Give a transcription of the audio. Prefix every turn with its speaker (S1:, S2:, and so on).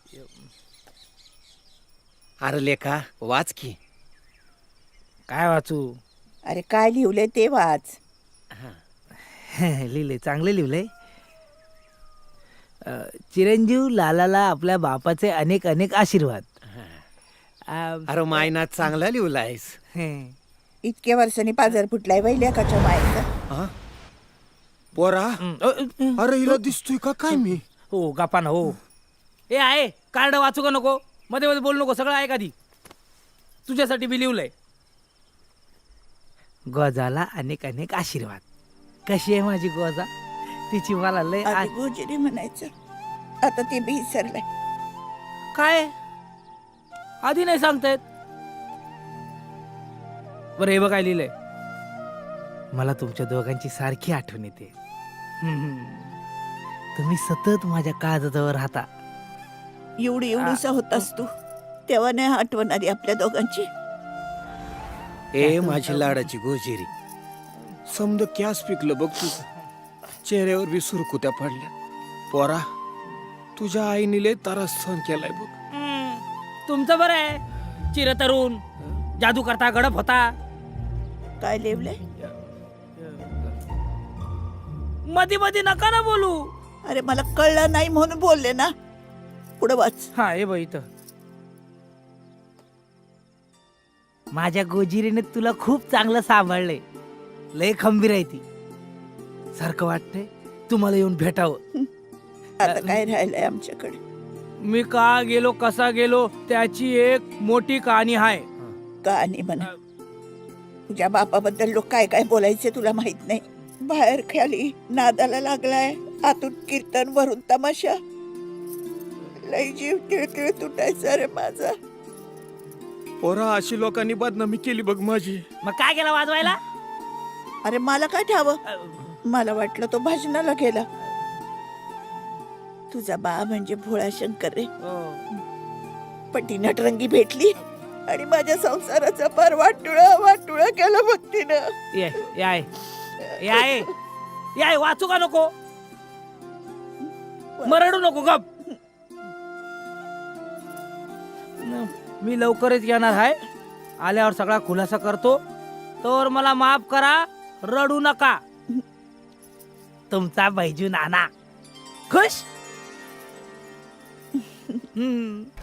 S1: अरे लेखा वाच की.
S2: काय वाचू?
S3: अरे काय लिहिलंय ते वाच.
S2: लिहिलंय, चांगलं लिहिलंय. चिरंजीव लालाला आपल्या बापाचे अनेक अनेक आशीर्वाद.
S1: अरे मायना चांगला लिहिलायस.
S3: इतक्या वर्षांनी पाजर फुटलाय बाई लेकाच्या मायेचा.
S1: हा? पोरा अरे हिला दिसतोय का काय मी?
S2: हो गप्पा ना हो. ए आहे कार्ड वाचू का नको? मध्ये मध्ये बोलू नको, सगळं आहे आधी. तुझ्यासाठी बी लिहिलंय. गोजाला अनेक अनेक आशीर्वाद. कशी आहे माझी गोजा? तिची मला लय
S3: आधी गोजिरी म्हणायचं, आता ते बी विसरलंय.
S2: काय आधी नाही सांगतायत? बरं हे बघ काय लिहिलंय. मला तुमच्या दोघांची सारखी आठवण येते. तुम्ही सतत माझ्या काळजाजवळ राहता.
S3: एवढीसा होतास तू, तेव्हा नाही आठवण आली आपल्या दोघांची.
S1: ए माझी लाडाची गोजिरी, समद कॅस पिकलं बघ तुझं. चेहऱ्यावर बी सुरकुत्या पडल्या. पोरा तुझ्या आईने लय त्रास सहन केलाय बघ.
S2: तुमचं बरं आहे, चिरतरुण जादू करता गडप होता.
S3: काय लिहिलंय?
S2: मध्ये मध्ये नका ना बोलू.
S3: अरे मला कळलं नाही म्हणून बोलले ना. पुढे वाच.
S2: हा हे बघ इथं. माझ्या गोजिरीने तुला खूप चांगलं सांभाळलंय. लय खंबीर आहे ती. सारखं वाटतंय तुम्हाला येऊन भेटावं.
S3: आता काय राहिलंय आमच्याकडे?
S2: मी का गेलो कसा गेलो त्याची एक मोठी कहाणी आहे.
S3: कहाणी म्हणा. तुझ्या बापाबद्दल लोक काय काय बोलायचे तुला माहित नाही. बाहेर खाली नादाला लागलाय, आतून कीर्तन वरून तमाशा. लय जीव तिळतिळ तुटायचा रे माझा.
S1: पोरा अशी लोकांनी बदनामी केली बघ माझी.
S2: मग काय केलं वाजवायला?
S3: अरे मला काय ठावं, मला वाटलं तो भजनाला गेला. तुझा बा म्हणजे भोळा शंकर रे. पण ती नटरंगी भेटली आणि माझ्या संसाराचा पार वाटुळा केला बघ तिनं.
S2: ये याय याय याय वाचू का नको? मरडू नको गप. मी लवकरच येणार आहे. आल्यावर सगळा खुलासा करतो. तर मला माफ करा, रडू नका. तुमचा बैजू नाना. खुश.